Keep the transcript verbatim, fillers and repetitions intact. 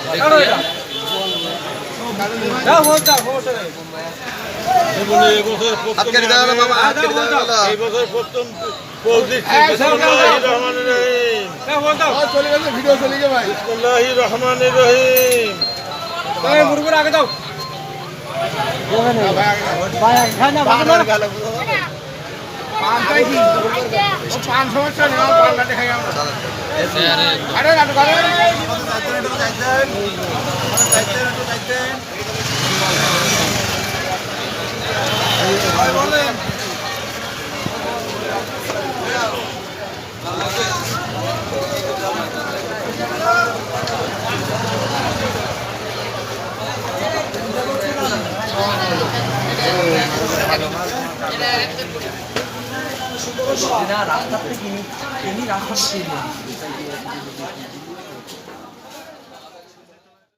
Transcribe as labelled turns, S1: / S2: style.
S1: কেটে দাও বাবা, কেটে দাও। এই বছর প্রথম পোজ দিচ্ছি। বিসমিল্লাহির রহমানির রহিম। চলে গেছে, ভিডিও চলে গেছে ভাই। বিসমিল্লাহির রহমানির রহিম। ভাই মুরগুর আগে দাও। ভাই আগে না ভালো না। পাঁচটাই কি? ও পাঁচ সমস্যা নেই, পাঁচটা দেখাই আমরা। আরে না তো করে। যাইতেন যাইতেন। যাইতেন যাইতেন। ভাই বলেন।
S2: রাস্তা থেকে কিনি রাস্তা থেকে